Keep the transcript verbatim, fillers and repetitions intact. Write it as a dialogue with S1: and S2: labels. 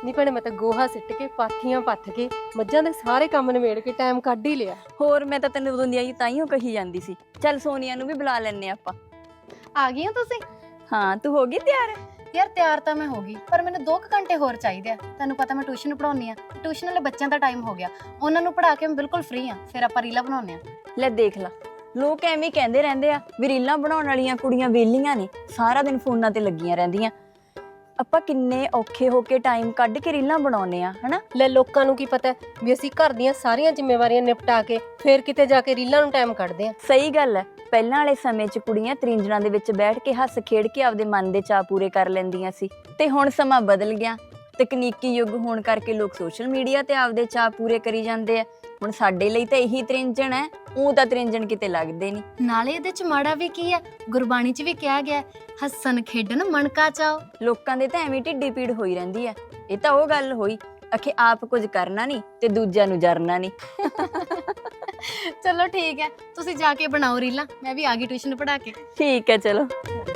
S1: ਨਹੀਂ ਭੈਣੇ ਮੈਂ ਤਾਂ ਗੋਹਾ ਸਿੱਟ ਕੇ ਪਾਥੀਆਂ ਪੱਥ ਕੇ ਮੱਝਾਂ ਦੇ ਸਾਰੇ ਕੰਮ ਨਿਬੇੜ ਕੇ ਟਾਈਮ ਕੱਢ ਹੀ ਲਿਆ।
S2: ਹੋਰ ਮੈਂ ਤਾਂ ਤੈਨੂੰ ਉਦੋਂ ਦੀ ਆਈ ਤਾਈਓ ਕਹੀ ਜਾਂਦੀ ਸੀ ਚੱਲ ਸੋਨੀਆ ਨੂੰ ਵੀ ਬੁਲਾ ਲੈਣੇ ਆਪਾਂ।
S3: ਆ ਗਈ ਹੋ ਤੁਸੀਂ?
S2: ਹਾਂ ਤੂੰ ਹੋ ਗਈ ਤਿਆਰ?
S3: ਯਾਰ ਤਿਆਰ ਤਾਂ ਮੈਂ ਹੋ ਗਈ, ਪਰ ਮੈਨੂੰ ਦੋ ਕੁ ਘੰਟੇ ਹੋਰ ਚਾਹੀਦੇ ਆ। ਤੈਨੂੰ ਪਤਾ ਮੈਂ ਟਿਊਸ਼ਨ ਪੜਾਉਣੀ ਆ, ਟਿਊਸ਼ਨ ਵਾਲੇ ਬੱਚਿਆਂ ਦਾ ਟਾਈਮ ਹੋ ਗਿਆ, ਉਹਨਾਂ ਨੂੰ ਪੜਾ ਕੇ ਮੈਂ ਬਿਲਕੁਲ ਫ੍ਰੀ ਆ, ਫਿਰ ਆਪਾਂ ਰੀਲਾਂ ਬਣਾਉਣੇ ਆ।
S2: ਲੈ ਦੇਖ ਲਾ, ਲੋਕ ਐਵੇਂ ਹੀ ਕਹਿੰਦੇ ਰਹਿੰਦੇ ਆ ਵੀ ਰੀਲਾਂ ਬਣਾਉਣ ਵਾਲੀਆਂ ਕੁੜੀਆਂ ਵਿਹਲੀਆਂ ਨੇ, ਸਾਰਾ ਦਿਨ ਫੋਨਾਂ ਤੇ ਲੱਗੀਆਂ ਰਹਿੰਦੀਆਂ। ਆਪਾਂ ਕਿੰਨੇ ਔਖੇ ਹੋ ਕੇ ਟਾਈਮ ਕੱਢ ਕੇ ਰੀਲਾਂ ਬਣਾਉਨੇ ਆ ਹਨਾ।
S1: ਲੈ ਲੋਕਾਂ ਨੂੰ ਕੀ ਪਤਾ ਵੀ ਅਸੀਂ ਘਰ ਦੀਆਂ ਸਾਰੀਆਂ ਜ਼ਿੰਮੇਵਾਰੀਆਂ ਨਿਪਟਾ ਕੇ ਫੇਰ ਕਿਤੇ ਜਾ ਕੇ ਰੀਲਾਂ ਨੂੰ ਟਾਈਮ ਕੱਢਦੇ ਆ।
S2: ਸਹੀ ਗੱਲ ਹੈ, ਪਹਿਲਾਂ ਵਾਲੇ ਸਮੇਂ 'ਚ ਕੁੜੀਆਂ ਤ੍ਰਿੰਜਣਾਂ ਦੇ ਵਿੱਚ ਬੈਠ ਕੇ ਹੱਸ ਖੇਡ ਕੇ ਆਪਦੇ ਮਨ ਦੇ ਚਾਅ ਪੂਰੇ ਕਰ ਲੈਂਦੀਆਂ ਸੀ, ਤੇ ਹੁਣ ਸਮਾਂ ਬਦਲ ਗਿਆ। ਤਕਨੀਕੀ ਯੁੱਗ ਹੋਣ ਕਰਕੇ ਲੋਕ ਸੋਸ਼ਲ ਮੀਡੀਆ ਤੇ ਆਪਦੇ ਚਾਅ ਪੂਰੇ ਕਰੀ ਜਾਂਦੇ ਆ। ਹੁਣ ਸਾਡੇ ਲਈ ਤਾਂ ਇਹੀ ਤ੍ਰਿੰਜਣ ਹੈ, ਉਹ ਤਾਂ ਤ੍ਰਿੰਜਣ ਕਿਤੇ ਲੱਗਦੇ ਨਹੀਂ।
S3: ਨਾਲੇ ਇਹਦੇ ਚ ਮਾੜਾ ਵੀ ਕੀ ਆ, ਗੁਰਬਾਣੀ ਚ ਵੀ ਕਿਹਾ ਗਿਆ ਹੱਸਣ ਖੇਡਣ ਮਨ ਕਾ ਚਾਓ।
S2: ਲੋਕਾਂ ਦੇ ਤਾਂ ਐਵੇਂ ਢਿੱਡੀ ਪੀੜ ਹੋਈ ਰਹਿੰਦੀ ਹੈ। ਇਹ ਤਾਂ ਉਹ ਗੱਲ ਹੋਈ ਅਖੇ ਆਪ ਕੁਝ ਕਰਨਾ ਨਹੀਂ ਤੇ ਦੂਜਿਆਂ ਨੂੰ ਜਰਨਾ ਨਹੀਂ।
S3: ਚਲੋ ਠੀਕ ਹੈ, ਤੁਸੀਂ ਜਾ ਕੇ ਬਣਾਓ ਰੀਲਾਂ, ਮੈਂ ਵੀ ਆ ਗਈ ਟਿਊਸ਼ਨ ਪੜਾ ਕੇ।
S2: ਠੀਕ ਹੈ ਚਲੋ।